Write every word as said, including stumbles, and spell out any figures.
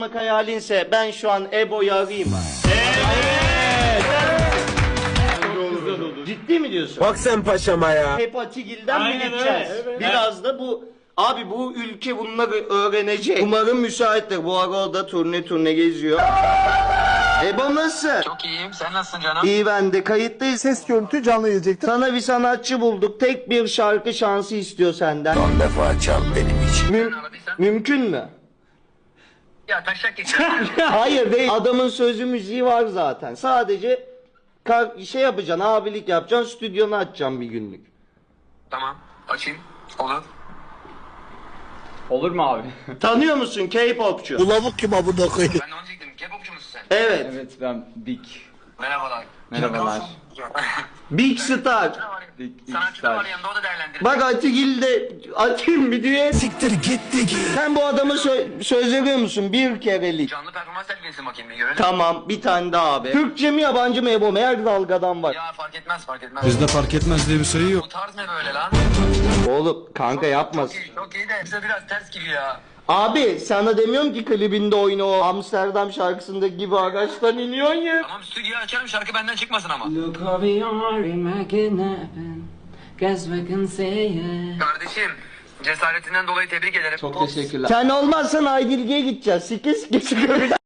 hayalinse ben şu an Ebo'yu arayayım. Evet. Ciddi mi diyorsun? Bak sen paşama ya. Hep Atigil'den mi Aynen gideceğiz? öyle, evet. Biraz da bu... Abi bu ülke bunları öğrenecek. Umarım müsaittir. Bu ara o da turne turne geziyor. Ebo nasıl? Çok iyiyim. Sen nasılsın canım? İyi, ben de kayıttayız. Ses görüntü canlı gelecektir. Sana bir sanatçı bulduk. Tek bir şarkı şansı istiyor senden. Son defa çal benim için. Müm- mümkün mü? Ya taşak geçer. Hayır değil. Adamın sözü müziği var zaten. Sadece kar- şey yapacaksın, abilik yapacaksın, stüdyonu açacaksın bir günlük. Tamam. Açayım. Olur. Olur mu abi? Tanıyor musun K-popçu? Bu lavuk kim abone koyayım? Ben de onu diyecektim. K-popçu musun sen? Evet. Evet ben Big. Merhabalar. Merhabalar. Big Star. Big Sanatçı da var Star. yanında, o da değerlendirir. Bak Atigil de atayım bir düğün. Siktir gitti ki. Sen bu adamı sö- söz veriyor musun? Bir kerelik. Canlı performans sergilesin bakayım bir görelim. Tamam, bir tane daha abi. Türkçe mi yabancı mı Ebo? Her dalgadan var. Ya fark etmez fark etmez. Bizde fark etmez diye bir sayı yok. Bu tarz ne böyle lan? Oğlum kanka yapmasın. Çok iyi, çok iyi de bize biraz ters gibi ya. Abi sana demiyorum ki klibinde oyna o Amsterdam şarkısındaki gibi ağaçtan iniyorsun ya. Tamam stüdyo açarım, şarkı benden çıkmasın ama. Look over your making happen. Guess we can say it. Kardeşim cesaretinden dolayı tebrik ederim. Çok teşekkürler. Sen olmazsan Aydilge'ye gideceğiz. Sike sike çıkıyor.